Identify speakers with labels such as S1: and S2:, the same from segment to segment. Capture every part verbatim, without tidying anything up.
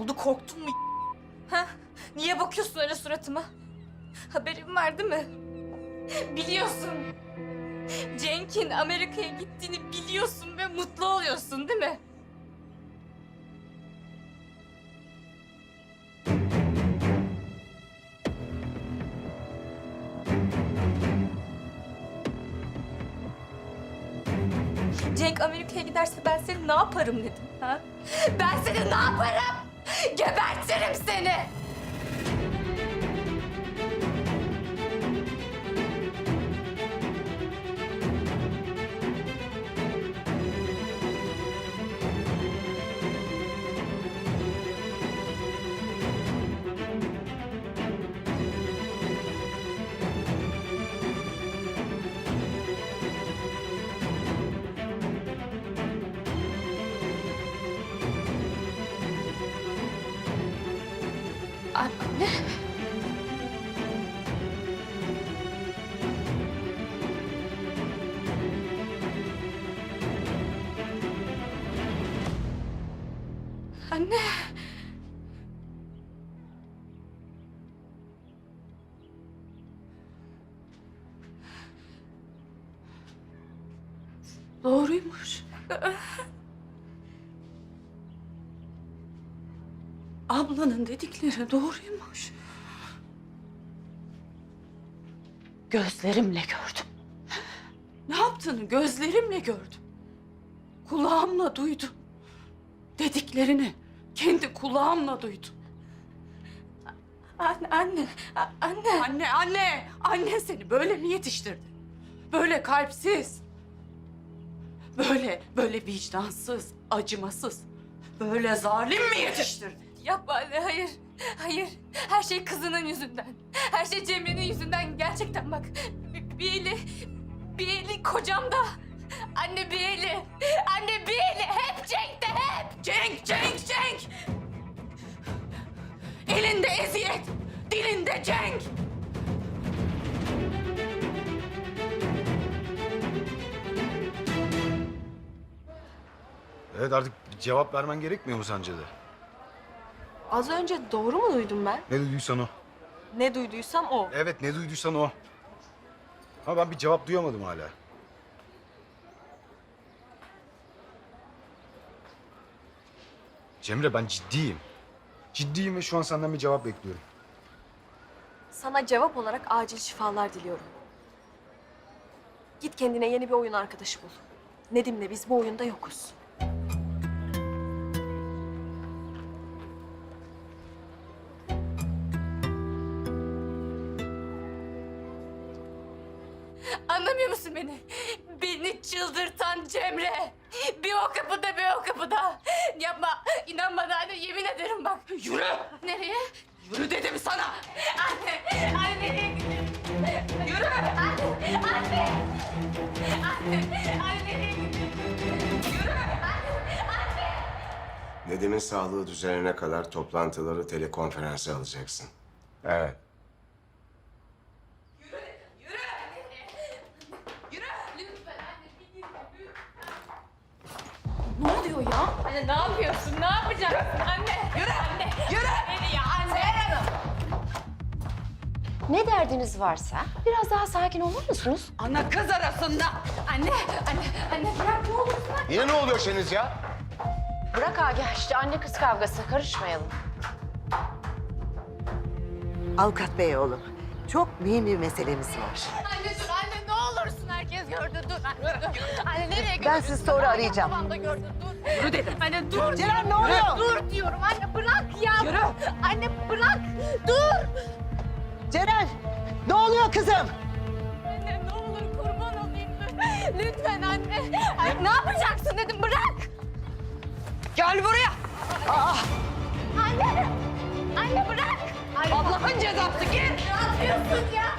S1: oldu? Korktun mu? Ha? Niye bakıyorsun öyle suratıma? Haberin var değil mi? Biliyorsun. Cenk'in Amerika'ya gittiğini biliyorsun ve mutlu oluyorsun değil mi? Cenk Amerika'ya giderse ben seni ne yaparım dedim ha? Ben seni ne yaparım? Gebertirim seni! Anne. Anne.
S2: Doğruymuş. Ablanın dedikleri doğruymuş. Gözlerimle gördüm. Ne yaptığını gözlerimle gördüm. Kulağımla duydum. Dediklerini kendi kulağımla duydum.
S1: Anne, anne, a- anne.
S2: Anne, anne, anne seni böyle mi yetiştirdi? Böyle kalpsiz. Böyle, böyle vicdansız, acımasız. Böyle zalim mi yetiştirdi?
S1: Yapma anne, hayır. Hayır. Her şey kızının yüzünden. Her şey Cemre'nin yüzünden. Gerçekten bak. Bir, bir eli, bir eli kocamda. Anne bir eli. Anne bir eli. Hep Cenk'te hep.
S2: Cenk, Cenk, Cenk! Elinde eziyet, dilinde Cenk!
S3: Evet, artık bir cevap vermen gerekmiyor mu sence de?
S4: Az önce doğru mu duydum ben?
S3: Ne duyduysan o.
S4: Ne duyduysam o.
S3: Evet, ne duyduysan o. Ama ben bir cevap duyamadım hala. Cemre, ben ciddiyim. Ciddiyim ve şu an senden bir cevap bekliyorum.
S4: Sana cevap olarak acil şifalar diliyorum. Git kendine yeni bir oyun arkadaşı bul. Nedim'le biz bu oyunda yokuz.
S1: Anlamıyor musun beni? Beni çıldırtan Cemre. Bir o kapıda bir o kapıda. Yapma. İnan bana anne, yemin ederim bak.
S2: Yürü!
S1: Nereye?
S2: Yürü dedim sana!
S1: Anne. Anne nereye gidiyorsun?
S2: Yürü!
S1: Anne. Anne. Anne. Anne nereye gidiyorsun?
S5: Nedim'in sağlığı düzelene kadar toplantıları telekonferansa alacaksın. Evet.
S1: Lütfen anne bir git.
S2: Ne oluyor ya?
S1: Anne ne yapıyorsun? Ne yapacaksın? Anne. Yürü. Anne. Yürü. Beni ya anne.
S6: Ne derdiniz varsa biraz daha sakin olur musunuz?
S2: Ana kız arasında.
S1: Anne. Anne. Anne bırak ne olursun.
S5: Yine ne oluyorsunuz ya?
S6: Bırak Agah işte anne kız kavgası karışmayalım.
S7: Avukat bey oğlum, çok mühim bir meselemiz var.
S1: Anne dur anne ne olursun, herkes gördü dur anne dur. Anne nereye gidiyorsun?
S7: Ben sizi sonra arayacağım.
S1: Babam da gördü dur.
S2: Yürü dedim.
S1: Anne dur.
S7: Ceren, ne oluyor?
S1: Dur diyorum anne, bırak ya.
S2: Yürü.
S1: Anne bırak dur.
S7: Ceren, ne oluyor kızım?
S1: Anne ne olur kurban olayım lütfen. Lütfen anne. Anne ne yapacaksın dedim, bırak.
S2: Gel buraya!
S1: Anne. Anne bırak. Anne,
S2: Allah'ın cezası git!
S1: ne yapıyorsun ya?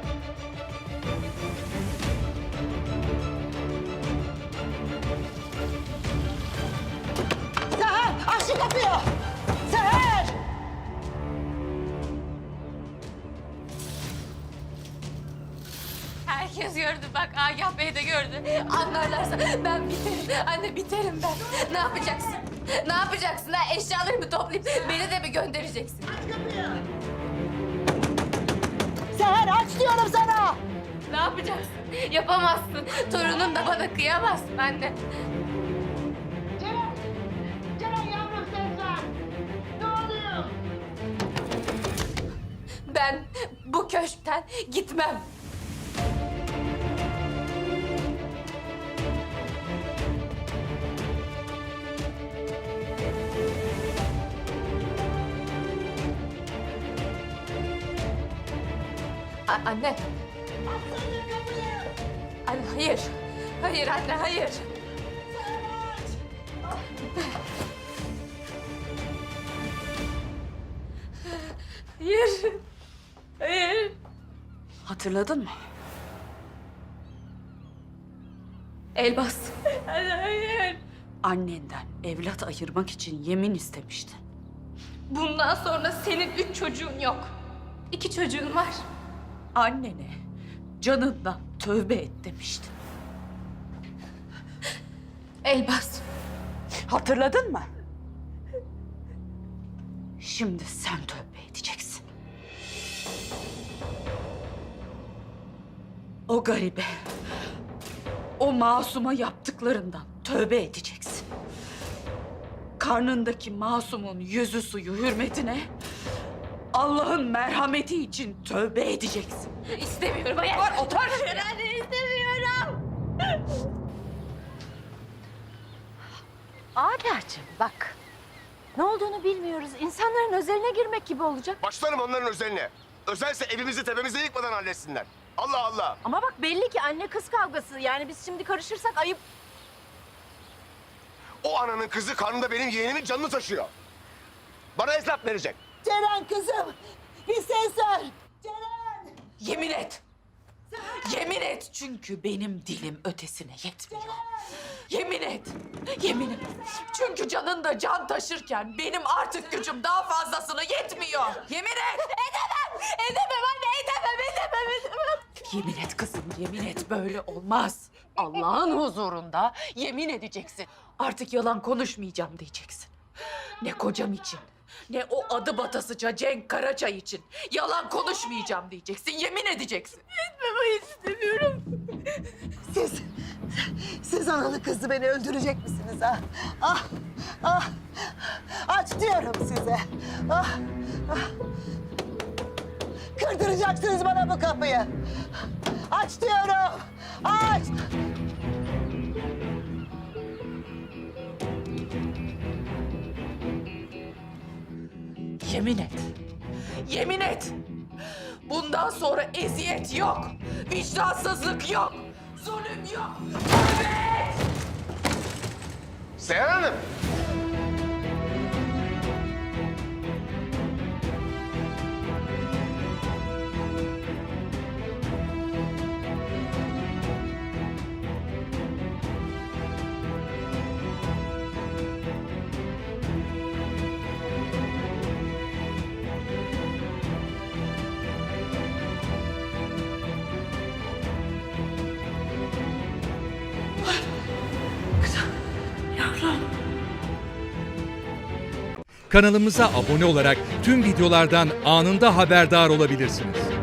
S7: Seher, aç şu kapıyı! Seher!
S1: Herkes gördü bak, Agah Bey de gördü. Anlarlarsa ben biterim. Anne biterim ben. Ne yapacaksın? Ne yapacaksın ha? Eşyalarımı toplayıp beni de mi göndereceksin?
S7: Seher aç diyorum sana.
S1: Ne yapacaksın? Yapamazsın. Torunun da bana kıyamazsın anne.
S7: Ceren! Ceren yavrum ses ver. Ne oluyor?
S1: Ben bu köşkten gitmem. A- anne. Anne hayır. Hayır anne hayır. Hayır. Hayır.
S2: Hatırladın mı?
S1: Elbas. Anne hayır.
S2: Annenden evlat ayırmak için yemin istemiştin.
S1: Bundan sonra senin üç çocuğun yok. İki çocuğun var.
S2: Annene canından tövbe et demiştin.
S1: Elbas.
S2: Hatırladın mı? Şimdi sen tövbe edeceksin. O garibe, o masuma yaptıklarından tövbe edeceksin. Karnındaki masumun yüzü suyu hürmetine Allah'ın merhameti için tövbe edeceksin.
S1: İstemiyorum. Hayır.
S2: Otur, otur.
S1: Anne istemiyorum.
S6: Agah'cığım bak. Ne olduğunu bilmiyoruz. İnsanların özeline girmek gibi olacak.
S5: Başlarım onların özeline. Özelse evimizi tepemize yıkmadan halletsinler. Allah Allah.
S6: Ama bak belli ki anne kız kavgası. Yani biz şimdi karışırsak ayıp.
S5: O ananın kızı karnında benim yeğenimin canını taşıyor. Bana hesap verecek.
S7: Ceren kızım bir ses ver. Ceren!
S2: Yemin et. Yemin et çünkü benim dilim ötesine yetmiyor. Yemin et. Yemin et. Çünkü canın da can taşırken benim artık gücüm daha fazlasını yetmiyor. Yemin et.
S1: Edemem. Edemem anne. Edemem. Edemem. Edemem.
S2: Yemin et kızım, yemin et böyle olmaz. Allah'ın huzurunda yemin edeceksin. Artık yalan konuşmayacağım diyeceksin. Ne kocam için, ne o adı batasıca Cenk Karaçay için yalan konuşmayacağım diyeceksin, yemin edeceksin.
S1: Etmem istemiyorum.
S7: Siz, siz analı kızı beni öldürecek misiniz ha? Ah, ah, aç diyorum size. Ah, ah. Kırdıracaksınız bana bu kapıyı. Aç diyorum, aç.
S2: Yemin et, yemin et. Bundan sonra eziyet yok, vicdansızlık yok, zulüm yok. Tövbe et!
S5: Seher Hanım.
S8: Kanalımıza abone olarak tüm videolardan anında haberdar olabilirsiniz.